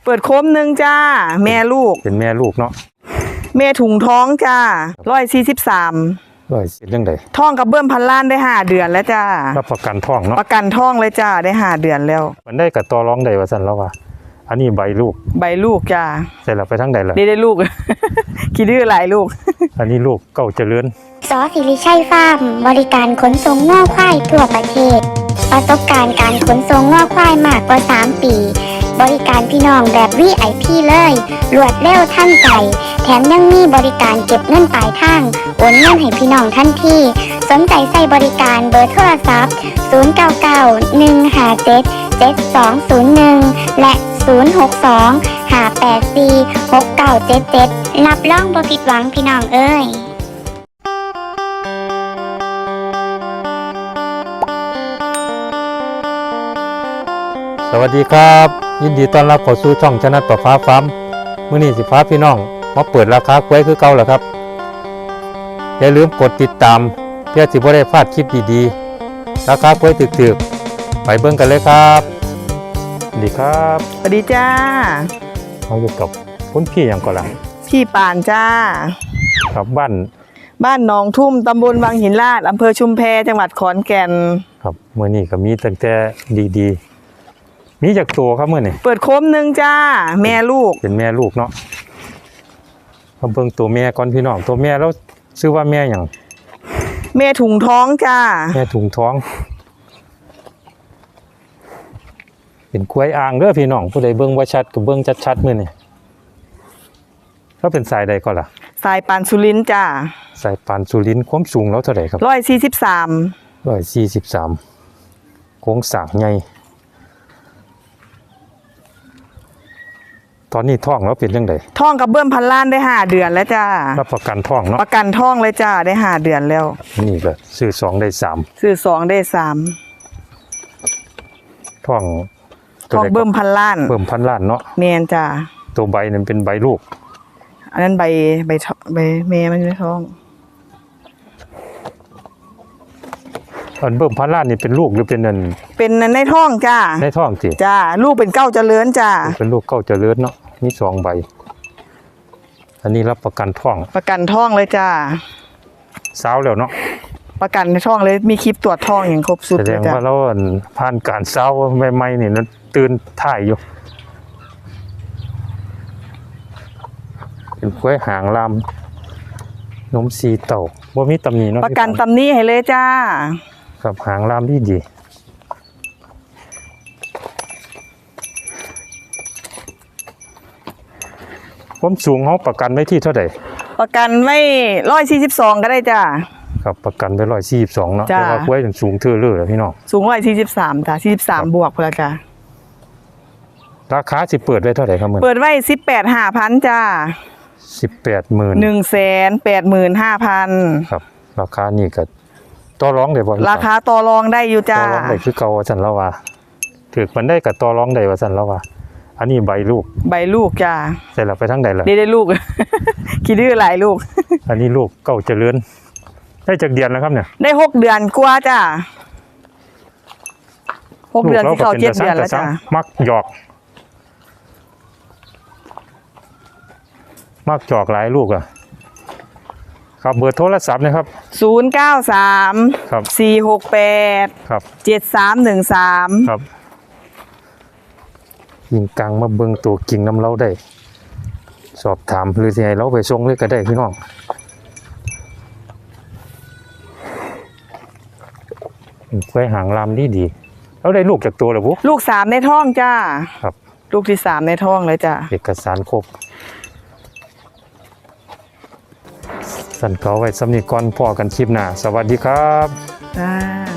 เปิดโคมหนึ่งจ้าแม่ลูกเป็นแม่ลูกเนาะแม่ถุงท้องจ้า143 เรื่องใดท้องกับเบิ้มพันล้านได้5 เดือนแล้วจ้ารับประกันท้องเนาะประกันท้องเลยจ้าได้5 เดือนแล้วมันได้กับตัวร้องใดว่าสั่นแล้วว่าอันนี้ใบลูกจ้าใส่ละไปทั้งใดละได้ลูก คิดดื้อหลายลูกอันนี้ลูกเก่าเจริญสอศิริชัยฟาร์มบริการขนส่งง่อควายทั่วประเทศประสบการณ์การขนส่งง่อควายมากกว่า3 ปีบริการพี่น้องแบบ VIP เลยรวดเร็วทันใจแถมยังมีบริการเก็บเงินปลายทางโอนเงินให้พี่น้องทันทีสนใจใส่บริการเบอร์โทรศัพท์0991577201และ062-584-6977รับรองบ่ผิดหวังพี่น้องเอ้ยสวัสดีครับยินดีต้อนรับเข้าสู่ช่องชนะประฟ้าฟาร์มมื้อนี้สิพาพี่น้องมาเปิดราคากล้วยคือเก่าแล้วครับอย่าลืมกดติดตามเพื่อสิบ่ได้พลาดคลิปดีๆราคากล้วยถึกๆไปเบิ่งกันเลยครับสวัสดีครับสวัสดีจ้าเราอยู่กับคุณพี่หยังก่อนล่ะพี่ปานจ้าครับบ้านหนองทุ่มตำบลวังหินลาดอำเภอชุมแพจังหวัดขอนแก่นครับมื้อนี้ก็มีตั้งแต่ดีๆมีจากตัวครับมื้อนี้เปิดโคมหนึ่งจ้าแม่ลูกเป็นแม่ลูกเนาะเบิ่งตัวแม่ก่อนพี่น้องตัวแม่แล้วชื่อว่าแม่หยังแม่ถุงท้องจ้าแม่ถุงท้องเป็นกล้วยอ่างเด้อพี่น้องผู้ใดเบิ่งบ่ชัดก็เบิ่งชัดๆมื้อนี้เขาเป็นสายใดก่อนล่ะสายปานสุรินทร์จ้าสายปานสุรินทร์ความสูงแล้วเท่าไหร่ครับ143โครงสร้างใหญ่ตอนนี้ท้องแล้วเป็นจังไดท้องกับเบิ้มพันล้านได้5 เดือนแล้วจ้ารับประกันท้องเนาะประกันท้องเลยจ้าได้5 เดือนแล้วนี่ก็ซื้อ2ได้3 ซื้อ2ได้3 ท้องเบิ้มพันล้านเนาะแม่นจ้าตัวใบนั้นเป็นใบลูกอันนั้นใบแม่มันอยู่ในท้องอันเบิ้มพันล้านนี่เป็นลูกหรือเป็นในท้องจ้าในท้องสิจ้าลูกเป็นเก้าเจริญจ้าเป็นลูกเก้าเจริญเนาะมี2ใบอันนี้รับประกันท้องเลยจ้าสาวแล้วเนาะประกันในท้องเลยมีคลิปตรวจท้องอย่างครบสุดแสดงว่าเราผ่านการสาวใหม่ๆนี่นั้นตื่นถ่ายอยู่เป็นกล้วยหางลำนมสีเต่าบ่มีตำหนิเนาะประกันตำหนิให้เลยจ้าครับหางลำดีความสูงเขาประกันไว้ที่เท่าไหร่ประกันไว้142ก็ได้จ้าครับประกันไว้142เนาะแต่ว่ากล้วยสูงเท่าเลยพี่น้องสูง143จ้า43บวกพอละจ้าราคาสิเปิดไว้เท่าไหร่ครับเปิดไว้18,500จ้า 185,000ครับราคานี่ก็ต่อรองได้บ่ราคาต่อรองได้อยู่จ้าต่อรองได้คือเก่าว่าซั่นแล้วว่าถึกมันได้ก็ต่อรองได้ว่าซั่นแล้วว่าอันนี้ใบลูกจ้าใส่ละไปทั้งใดล่ะได้ลูก คิดดื้อหลายลูกอันนี้ลูกเก่าเจริญได้จักเดือนแล้วครับเนี่ยได้6 เดือนกว่าจ้า6 เดือนที่เขา7 เดือนแล้วจ้ามักหยอกหลายลูกอ่ะครับเบอร์โทรศัพท์นะครับ 093 ครับ 468 ครับ 7313 ครับยิงกลางมาเบิ่งตัวกิ่งน้ำเล้าได้สอบถามหรือสิให้เราไปส่งเลยก็ได้พี่น้องกล้วยหางลำดีแล้วได้ลูกจากตัวหรือปุ๊ลูก3ในท้องจ้าครับลูกที่3ในท้องเลยจ้าเอกสารครบสั่นเขาไว้สำนีก่อนพอกันคลิปหน้าสวัสดีครับ